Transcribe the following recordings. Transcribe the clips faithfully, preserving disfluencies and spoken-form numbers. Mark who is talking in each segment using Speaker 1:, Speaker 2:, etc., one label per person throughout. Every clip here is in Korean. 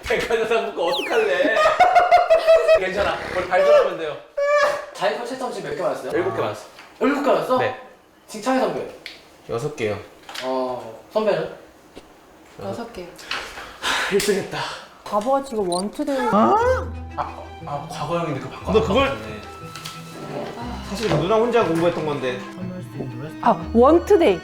Speaker 1: 백화점 묶고 어떡할래? 괜찮아. 우리 발전하면 돼요.
Speaker 2: 자이퍼 채점 지금 몇 개 맞았어요?
Speaker 1: 일곱 개 맞았어.
Speaker 2: 일곱 개 맞았어?
Speaker 1: 네.
Speaker 2: 칭찬해 선배.
Speaker 1: 여섯 개요.
Speaker 2: 어 선배는?
Speaker 3: 여섯 개.
Speaker 1: 일 등 했다.
Speaker 3: 바보같이 이거 원투데이.
Speaker 1: 아, 아 과거형인데 그거 바꿔.
Speaker 4: 너 그걸- 사실 누나 혼자 공부했던 건데.
Speaker 3: 아, 원투데이.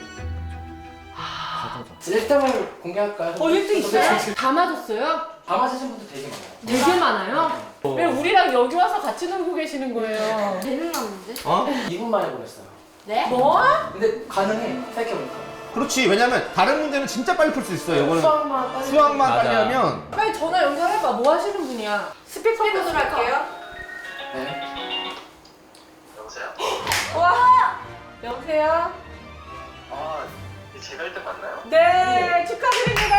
Speaker 2: 일 등을 공개할까요?
Speaker 3: 어, 일 등 있어요? 다 맞았어요?
Speaker 2: 다 맞으신 분들 되게 많아요.
Speaker 3: 되게 많아요? 왜 우리랑 여기 와서 같이 놀고 계시는 거예요?
Speaker 5: 재능났는데?
Speaker 4: 어?
Speaker 2: 이 분 만에 보냈어요.
Speaker 5: 네?
Speaker 3: 뭐?
Speaker 2: 근데 가능해. 생각해보니까.
Speaker 4: 그렇지. 왜냐면 다른 문제는 진짜 빨리 풀 수 있어요. 이거는
Speaker 2: 수학만 빨리.
Speaker 4: 수학만
Speaker 1: 맞아.
Speaker 4: 빨리 하면
Speaker 3: 빨리 전화 연결해봐. 뭐 하시는 분이야? 스피커
Speaker 5: 스피커 할게요.
Speaker 2: 네.
Speaker 6: 여보세요?
Speaker 3: 와! 여보세요?
Speaker 6: 아, 제가 일 등 맞나요?
Speaker 3: 네, 축하드립니다.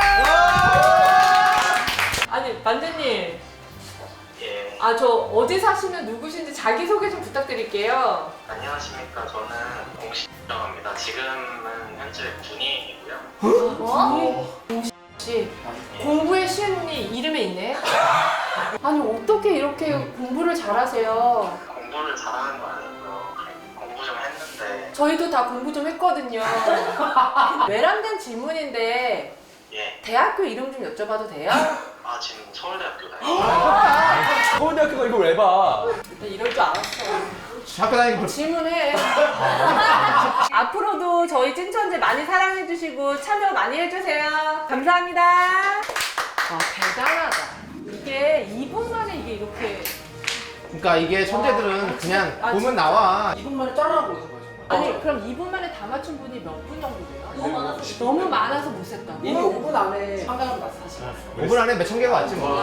Speaker 3: 아니, 반장님.
Speaker 6: 예.
Speaker 3: 아, 저 어디 사시는 누구신지 자기소개 좀 부탁드릴게요.
Speaker 6: 안녕하십니까. 저는 공식이라고 합니다. 지금은 현재 군인이고요.
Speaker 3: 뭐? 혹시 공부의 신이 이름에 있네? 아니, 어떻게 이렇게 공부를 잘하세요?
Speaker 6: 공부를 잘하는 거 아니고요. 공부 좀 했는데,
Speaker 3: 저희도 다 공부 좀 했거든요. 외람된 질문인데
Speaker 6: 예.
Speaker 3: 대학교 이름 좀 여쭤봐도 돼요?
Speaker 6: 아, 지금 서울대학교 다니고
Speaker 1: 서울대학교가 이걸 왜 봐?
Speaker 3: 일단 이럴 줄 알았어.
Speaker 4: 학교 다니는 거
Speaker 3: 질문해. 앞으로도 저희 찐천재 많이 사랑해주시고 참여 많이 해주세요. 감사합니다. 와, 대단하다. 이게 이 분 만에 이게 이렇게.
Speaker 4: 그러니까 이게 천재들은 그냥
Speaker 3: 아,
Speaker 4: 보면
Speaker 3: 진짜?
Speaker 4: 나와.
Speaker 2: 이 분 만에 따라하고 있는 거예요. 정말.
Speaker 3: 아니, 그럼 이 분 만에 다 맞춘 분이 몇 분 정도 돼요?
Speaker 5: 너무 많아서.
Speaker 3: 너무 많아서 못 셌다고?
Speaker 2: 이미 오 분 안에 상담을 다 사실.
Speaker 4: 오 분 안에 몇 천 개가 왔지 뭐.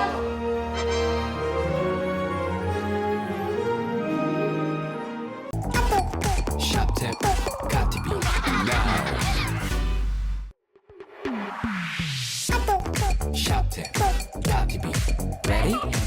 Speaker 7: Shop tip, got to be now. Shop tip, got to be ready.